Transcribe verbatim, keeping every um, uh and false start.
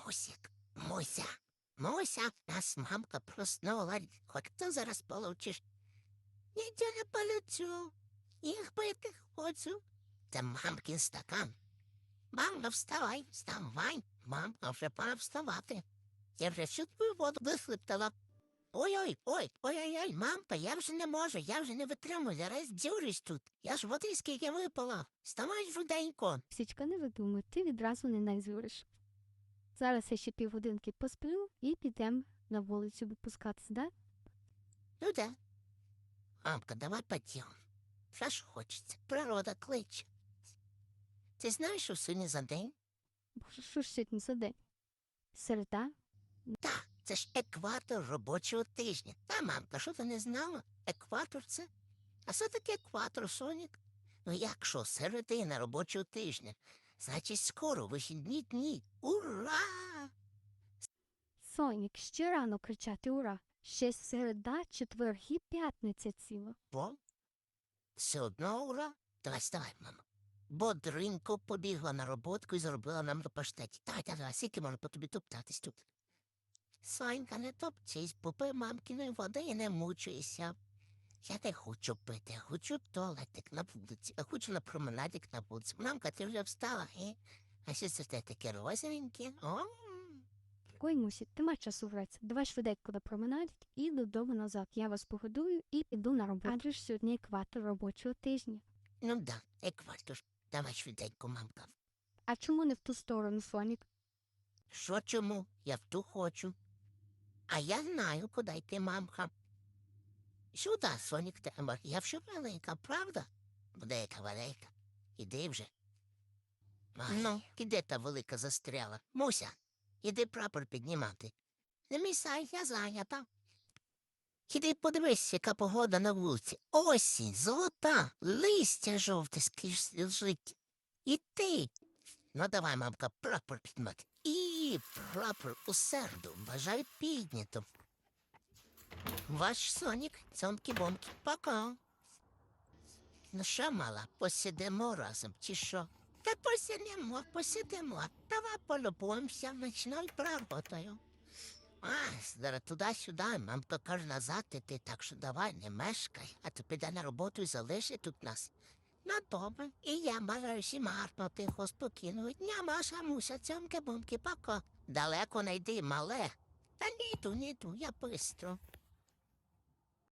Мусик, Муся, Муся, нас мамка проснула. Хоч ти зараз получиш. Я не полетю. Їх пити хочу. Це мамкин стакан. Мамка, вставай, вставай. Мамка, вже пора вставати. Я вже всю твою воду вихлептала. Ой-ой, ой, ой-ой-ой, мамка, я вже не можу, я вже не витримую, зараз дзюрюсь тут. Я ж води скільки випила. Вставай швиденько. Січка, не видумуй, ти відразу не найзюриш. Зараз я ще півгодинки посплю і підемо на вулицю випускатися, да? Ну да. Мамка, давай пойдем. Що ж хочеться, природа кличе. Ти знаєш, що сьогодні за день? Боже, що ж сьогодні за день? Середа? Так, це ж екватор робочого тижня. Та, мамка, що ти не знала? Екватор це? А що таке екватор, Сонік? Ну як що, середина робочого тижня? Значить, скоро вихідні дні. Ура! Сонік, ще рано кричати «Ура!» Ще середа, четвер і п'ятниця ціла. Бо? Все одно ура? Давай, вставай, мамо. Бодренько побігла на роботку і заробила нам до паштеті. Давай, давай, давай, скільки можна по тобі топтатись тут? Сонька, не топчись, попий мамкиної води і не мучуйся. Я не хочу пити, я хочу в туалетик на вулиці, я хочу на променадик на вулиці. Мамка, ти вже встала, е? А що це те таке розовеньке? О, Ой, Мусі, нема часу гратися. Давай швиденько на променад і додому назад. Я вас погодую і піду на роботу. Адже ж сьогодні екватор робочого тижня. ну да, екватор. Давай швиденько, мамка. А чому не в ту сторону, Сонік? Що чому? Я в ту хочу. А я знаю, куди йти, мамка. Сюди, Сонік Тембар, я вже велика, правда? Буде яка велика. Іди вже. Ай, ну, іде та велика застряла. Муся, іди прапор піднімати. Не місай, я зайнята. Іди подивись, яка погода на вулиці. Осінь, золота, листя жовте скрізь лежить. І ти. Ну, давай, мамка, прапор піднімати. І прапор у серду бажаю піднято. Ваш Сонік, цьомкі-бомкі, пока. Ну що, мала, посидимо разом, чи що? Та посидимо, посидимо. Давай полюбуємося ночною природою. А, зараз туди-сюди, мамка каже назад іти, так що давай не мешкай, а то піде на роботу і залиши тут нас. Ну, добре, і я бажаю всім гарного, тихо, спокійного дня, Маша, Муся, цьомки-бомки, пока. Далеко не йди, мале. Та не йду, не йду, я бистро.